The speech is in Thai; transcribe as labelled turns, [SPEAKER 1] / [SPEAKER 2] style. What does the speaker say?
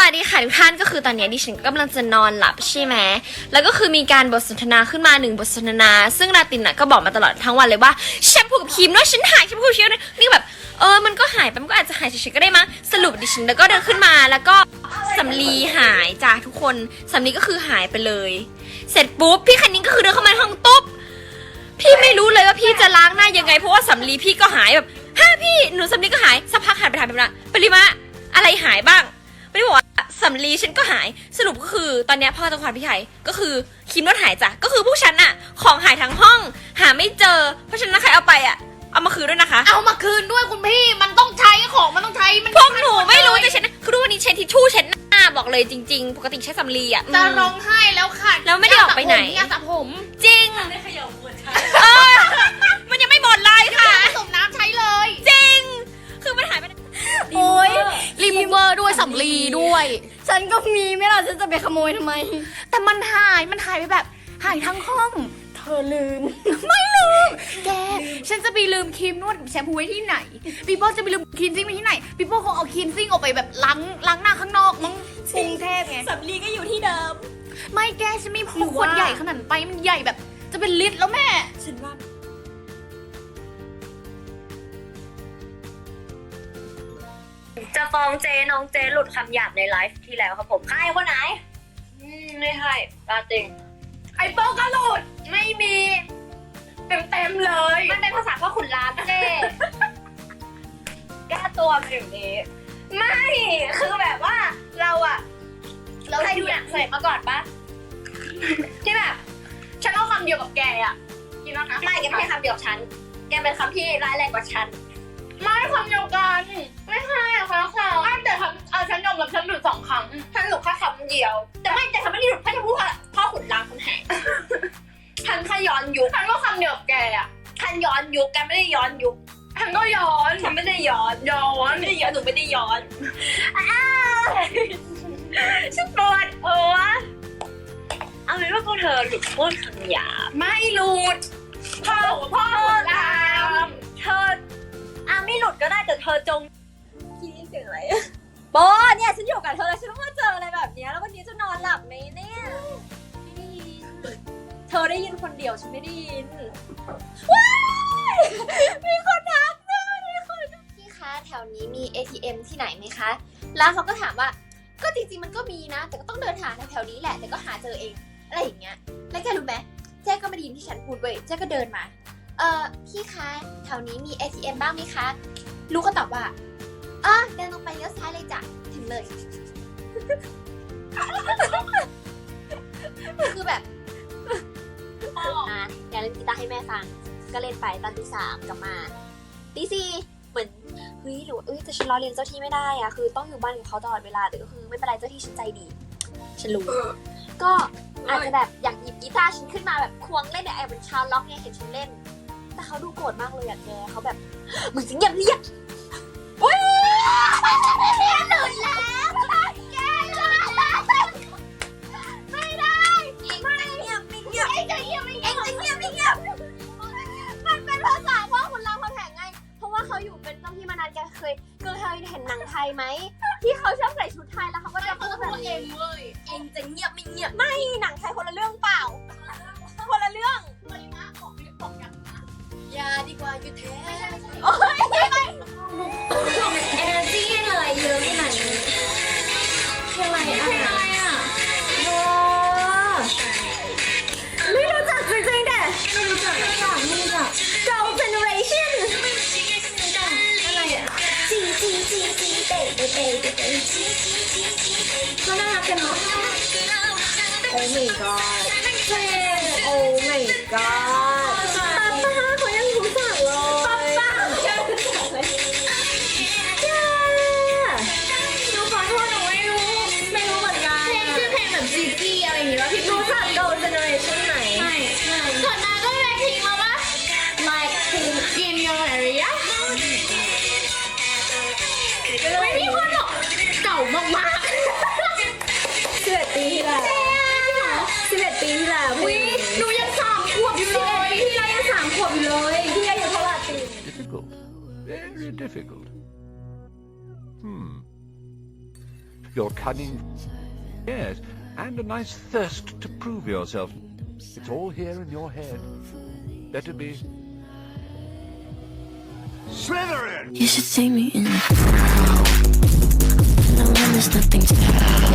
[SPEAKER 1] วัสดีค่ะทุกท่านก็คือตอนนี้ดิฉันกำลังจะนอนหลับใช่ไหมแล้วก็คือมีการบทสนทนาขึ้นมา1 บทสนทนาซึ่งลาตินน่ะก็บอกมาตลอดทั้งวันเลยว่าแชมพูกับครีมด้วยฉันหายแชมพูกับครีมด้วยนี่แบบมันก็หายไปมันก็อาจจะหายเฉยๆก็ได้มั้งสรุปดิฉันแล้วก็เดินขึ้นมาแล้วก็สำลีหายจ้าทุกคนสำลีก็คือหายไปเลยเสร็จปุ๊บพี่คันนิ้งก็คือเดินเข้ามาในห้องตุ๊บพี่ไม่รู้เลยว่าพี่จะล้างหน้ายังไงเพราะว่าสำลีพี่ก็หายแบบพี่หนูสำลีก็หายสักพักหายไปถ่ายไปนะปริมาอะไรหายบ้างไม่ได้บอกว่าสำลีฉันก็หายสรุปก็คือตอนนี้พ่อจังหวัดพี่ไทยก็คือครีมนวดหายจ้ะก็คือพวกฉันอะของหายทั้งห้องหาไม่เจอเพราะฉะนั้นใครเอาไปอะเอามาคืนด้วยนะคะ
[SPEAKER 2] เอามาคืนด้วยคุณพี่มันต้องใช้ของมันต้องใช้มัน
[SPEAKER 1] พวกหนูไม่รู้จะเช็ดคือทุกวันนี้ใช้ทิชชู่เช็ดหน้าบอกเลยจริงๆปกติใช้สำลีอะ
[SPEAKER 2] จะร้องไห้แล้วค่ะ
[SPEAKER 1] แล้วไม่ได้ออกไปไหน
[SPEAKER 2] ยาสระผม
[SPEAKER 1] จริง
[SPEAKER 3] ไม่ขยับหัวใจ
[SPEAKER 1] มันยังไม่หมดเลยค่ะ
[SPEAKER 2] ผสมน้ำใช้เลย
[SPEAKER 1] จริงคือมันหายไป
[SPEAKER 2] โอ้ยรีมูเวอร์ด้วยสำลีด้วย
[SPEAKER 4] ฉันก็มีไม่ล่ะฉันจะไปขโมยทำไม
[SPEAKER 2] แต่มันหายไปแบบหายทั้งห้อง
[SPEAKER 4] เธอลืม
[SPEAKER 2] ไม่ลืมแกฉันจะไปลืมครีมนวดแชมพูไว้ที่ไหนปีโป้จะไปลืมครีมซิ่งไว้ที่ไหนปีโป้คงเอาครีมซิ่งออกไปแบบล้างหน้าข้างนอกมั้งกรุงเทพไง
[SPEAKER 3] สำลีก็อยู่ที่เดิม
[SPEAKER 2] ไม่แกฉันมีขวดใหญ่ขนาดไปมันใหญ่แบบจะเป็นลิตรแล้วแม่
[SPEAKER 3] ฉันว่า
[SPEAKER 4] จะฟ้องเจ๊น้องเจ๊หลุดคำหยาบในไลฟ์ที่แล้วครับผมใครคนไหนไม่ใช่ตาจริง
[SPEAKER 2] ไอ้โป้ก็หลุดไม่มีเต็มเลย
[SPEAKER 4] มันเป็นภาษาพ่อขุนรามเจ๊แก้ตัวมาอย่างนี้ไม่คือแบบว่าเราใครดูหนังเสร็จมาก่อนปะที่แบบ
[SPEAKER 2] ฉันเอาคำเดียวกับแกอ่ะกินแล้วนะ
[SPEAKER 4] ไม่แกไม่ใช่คำเดียวกับฉันแกเป็นคำที่ร้ายแรงกว่าฉัน
[SPEAKER 2] ไม่คำเดียวกันไม่ใช่อะคะแต่ฉันยอมรับฉันหลุด2 ครั้ง
[SPEAKER 4] ฉันหลุดแค่คำเดียวแต่ฉันไม่ได้หลุดแค่จะพูดว่าพ่อขุนรามคำแหงฉันแค่ย้อนยุค
[SPEAKER 2] ฉันก็คำเดียวกับแกอ่ะ
[SPEAKER 4] ฉันย้อนยุคแกไม่ได้ย้อนยุค
[SPEAKER 2] ฉันก็ย้อน
[SPEAKER 4] ฉันไม่ได้ย้อนไม่ได้ย้อนหนูไม่ได้ย้อนฉันปวดหัวเอาเป็นว่าพวกเธอหลุดพูดคำหยาบ
[SPEAKER 2] ไม่หลุดพ่อลาม
[SPEAKER 4] เธอไม่หลุดก็ได้แต่เธอจง
[SPEAKER 3] คิดเสียงอะไรโบเนี่ยฉันอยู่กับเธอแล้วฉันต้องมาเจออะไรแบบนี้แล้ววันนี้จะนอนหลับไหมเนี่ยไม่ได้ยินเธอได้ยินคนเดียวฉันไม่ได้ยินว้ายมีคนทักนะมีคน
[SPEAKER 1] พี่คะแถวนี้มี ATM ที่ไหนไหมคะแล้วเขาก็ถามว่าก็จริงๆมันก็มีนะแต่ก็ต้องเดินหาแถวๆนี้แหละแต่ก็หาเจอเองอะไรอย่างเงี้ยแล้วแกรู้ไหมเจ๊ก็ไม่ได้ยินที่ฉันพูดเว้ยเจ๊ก็เดินมาพี่คะแถวนี้มี ATM บ้างไหมคะลูกก็ตอบว่าเดินลงไปเลี้ยวซ้ายเลยจ้ะถึงเลย คือแบบอยากเล่นกีตาร์ให้แม่ฟังก็เล่นไปตอนตี 3กลับมาตี 4เหมือนเฮ้ยหรือแต่ฉันรอเรียนเจ้าที่ไม่ได้อะคือต้องอยู่บ้านกับเขาตลอดเวลาแต่ก็คือไม่เป็นไรเจ้าที่ฉันใจดีฉันรู้ก็อาจจะแบบอยากหยิบกีตาร์ฉันขึ้นมาแบบควงเล่นเนี่ยเป็นชาวล็อกเนี่ยเห็นฉันเล่นแต่เขาดูโกรธมากเลยอะแกเขาแบบมึงจะเงียบเรียกอุ้ยหลุดแล้วแกหลุดแล้วไม่ได้ไม่เงียบไม่เงียบเอ็งจะเงียบไม่เงียบมันเป็นภาษาพ่อขุนรามคำแหงไงเพราะว่าเขาอยู่เป็นเจ้าที่มานานแกเคยเห็นหนังไทยไหมที่เขาชอบใส่ชุดไทยแล้วเขาก็จะพูดแบบเองเว้ยเองจะเงียบไม่เงียบไม่หนังไทยคนละเรื่องเปล่าคนละเรื่อง
[SPEAKER 2] อย่าดีกว่าอยู่แท้
[SPEAKER 1] โอ้ย
[SPEAKER 4] เอเนอร์จี้อะไรเยอะขนาดนี้
[SPEAKER 2] เพลงอะไรอ่ะ
[SPEAKER 4] ไม่รู้จักจริงๆแต่
[SPEAKER 2] ไม่รู้จัก
[SPEAKER 4] Girl Generation
[SPEAKER 2] อะไรอ่ะ
[SPEAKER 4] เขาน่ารักกันเนาะ
[SPEAKER 2] Oh my god
[SPEAKER 4] เพลง Oh my god ป้าเขายังรู้จักเลย
[SPEAKER 2] ป้าหนูขอโทษหนูไม่รู้เหมือนกันชื่อเพลงแบบจีจี้อะไรอย่างเงี้ยพี่
[SPEAKER 4] รู้จัก Girl Generation ไหม
[SPEAKER 2] ก่อนหน้าก็เลยทิ้งมาว่า Like in your area ไม่มีคนหรอกเก่ามาก
[SPEAKER 4] 11 ปีที่แล้ว11 ปีที่แล้ว
[SPEAKER 2] หนูยัง3 ขวบอยู่เลย
[SPEAKER 4] พี่เรายัง3 ขวบอยู่เลยพี่อายุเท่าไหร่ปี
[SPEAKER 5] Difficult. Very difficult. your cunning, yes, and a nice thirst to prove yourself. It's all here in your head. Better be Slytherin!
[SPEAKER 6] You should see me in the crowd. No one, there's nothing to